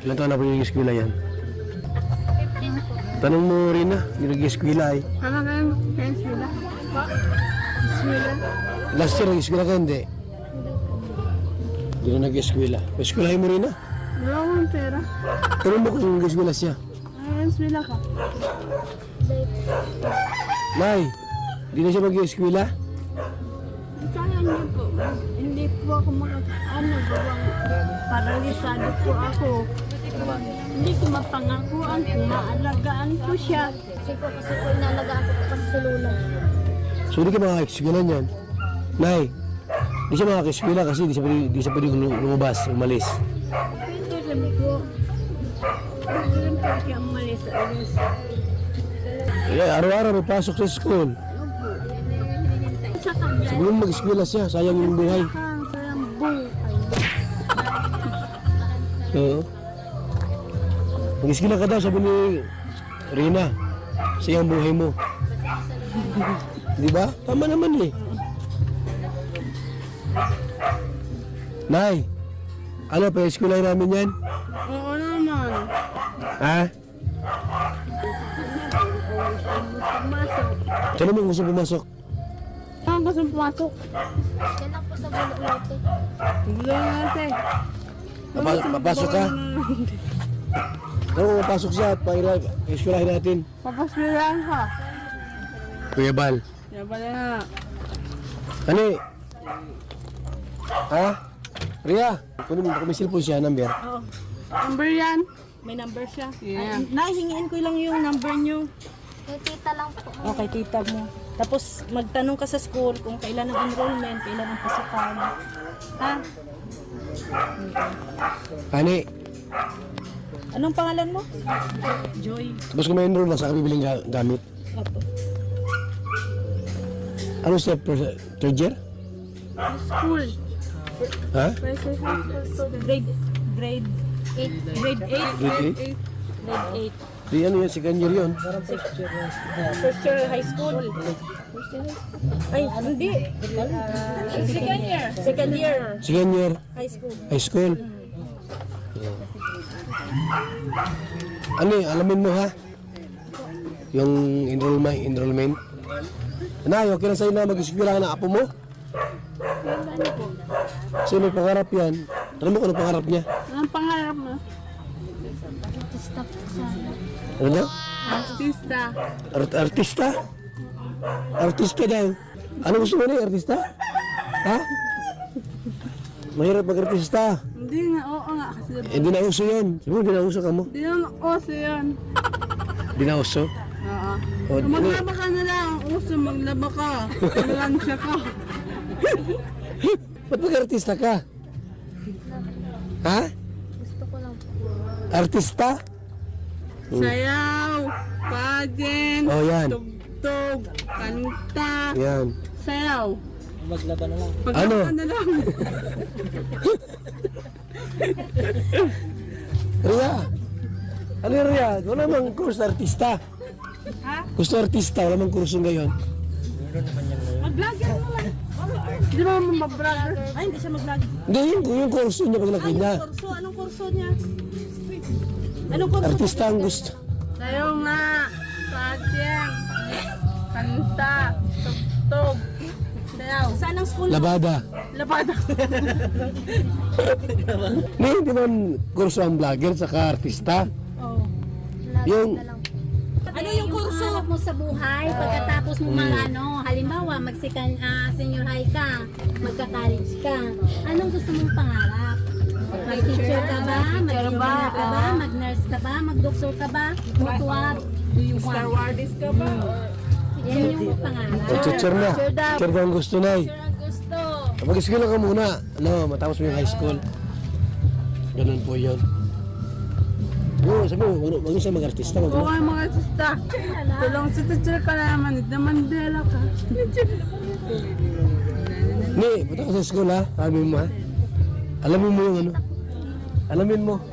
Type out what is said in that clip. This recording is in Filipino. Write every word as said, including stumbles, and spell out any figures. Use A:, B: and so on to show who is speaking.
A: Ilan taon na po yung eskwela yan?
B: fifteen po.
A: Tanong mo rin na, yung nag-eskwela ay.
C: Ano kayo sa eskwela? Pa? Eskwela?
A: Last year, nag-eskwela ka, hindi? Hindi na nag-eskwela. Eskwelahin mo rin na.
C: Wala akong pera.
A: Tanong mo kung nag-eskwela siya.
C: Ay, eskwela ka.
A: Nay, hindi na siya mag-eskwela?
C: Kaya niyo po. Hindi po ako mga ano, gawang paralisado po ako. Hindi ko mapangakuan kung maalagaan ko siya.
B: Kasi po, kasi po inalagaan ko po kasi sa lula.
A: So, hindi ka makaka-eskwela niyan. Nay, hindi siya makaka-eskwela kasi hindi siya pwede, hindi siya pwede lumabas, umalis.
C: Ito sabi ko, gusto rin po siya umalis sa alis.
A: Eh, araw-araw may pasok sa school.
C: Sa kanya,
A: Sabi mo mag-eskwela siya, sayang yung buhay.
C: ang sayang buhay.
A: Oo. Mag-eskwela ka daw, sabi ni Rina. Sayang buhay mo. Di ba? Tama naman eh. Nay, ano pa eskwela namin yan?
C: Oo naman.
A: Ha?
C: Pumasok.
A: Saan mo gusto pumasok?
C: Saan gusto pumasok?
B: Yan lang po sa bulo ulit eh.
C: Gulo natin.
A: Papa- papasok ka? Ano kung mapasok siya at paira, eskwelahin natin.
C: Papaswiran ka.
A: Kuya Bal.
C: Yan pala na.
A: Ano eh? Ha? Ria, kunin mo, kumisil po siya, number.
C: Oo. Number yan.
D: May number siya.
C: Yeah.
D: Ay, nahingiin ko lang yung number nyo.
B: Kay tita lang po.
D: Okay, tita mo. Tapos magtanong ka sa school kung kailan ang enrollment, kailan ang pasukan. Ha?
A: Ani,
D: Anong pangalan mo? Joy.
A: tapos kung may enroll na sa kabibiling ga- gamit.
D: Opo.
A: Ano step? per- Third year?
C: School.
A: Ha?
D: Grade, grade,
B: Eight.
D: grade eight.
A: Grade eight?
D: Grade eight.
A: Di ano yun, second year yun.
D: First year high school. Ay, hindi. Second year. Second year
A: Second year,
D: high school.
A: high school. Ano eh, alamin mo ha? Yung enrollment, enrollment. Nay, okay na sa'yo na mag-eskwela na apo mo? Kasi may pangarap yan. Alam mo kung ano pangarap niya?
C: Anong pangarap mo?
B: Artista po sana.
A: Ano na?
C: Artista.
A: Art artista? Artista daw. Ano gusto mo na artista? Ha? Mahirap mag-artista.
C: Hindi nga, oo nga. Kasi
A: Eh, di na uso yun. Siguro di na uso ka mo.
C: hindi naman oso yan.
A: Di na uso.
C: Oo.
A: O, di-
C: Maglaba ka na lang. Uso, maglaba ka. Malansya ka.
A: Ba't mag-artista ka? Ha?
B: Gusto ko lang po.
A: Artista?
C: Sayaw, pageant,
A: Oh, yan.
C: tugtog, kanta,
A: Yan.
C: sayaw.
D: Maglaba na lang.
C: Paglaba
A: Ano?
C: ka na lang.
A: Ria. Ano yung Ria? Wala mang kurso artista.
C: Ha?
A: Gusto artista, wala mang kurso ngayon.
C: Mag-vlogger mo lang. Di ba mo mag-vlogger?
D: Ay, hindi siya mag-vlog.
A: Hindi, yung, yung kurso niya paglaki
D: Ay,
A: niya.
D: yung kurso. Anong kurso niya? Anong kurso?
A: Artista ang gusto.
C: Sayaw nga, pageant, kanta, tugtog, sayaw.
D: Saan ang school?
A: Labada.
C: Labada.
A: Hindi, hindi man kurso ang vlogger saka artista.
D: Oh.
B: Laban
A: Yung-
B: na lang.
D: Ano yung kurso?
B: Hanap mo sa buhay, pagkatapos mo mag ano, halimbawa magsikan ah, senior high ka, magka-college ka. Anong gusto mong pangarap? Mag-teacher ka ba? Mag-engineer ka ba? Mag-nurse ka ba? Mag-doktor ka ba? What do you
C: Star
B: want?
C: Wardis ka ba?
B: Yan yung pangarap.
A: O, teacher na. Teacher ka ang gusto na eh.
B: Sure ang gusto.
A: Mag-eskwela ka muna. Ano, matapos mo yung high school. Ganun po yun. Oo, sabi mo, wag wag siya mag-artista. Wag
C: Oo kayo mga sista. Tulong si teacher ka na naman. Ito Mandela ka.
A: Ni, punta ka sa school ha. Alamin mo ha. Alamin mo yung ano. Alamin mo.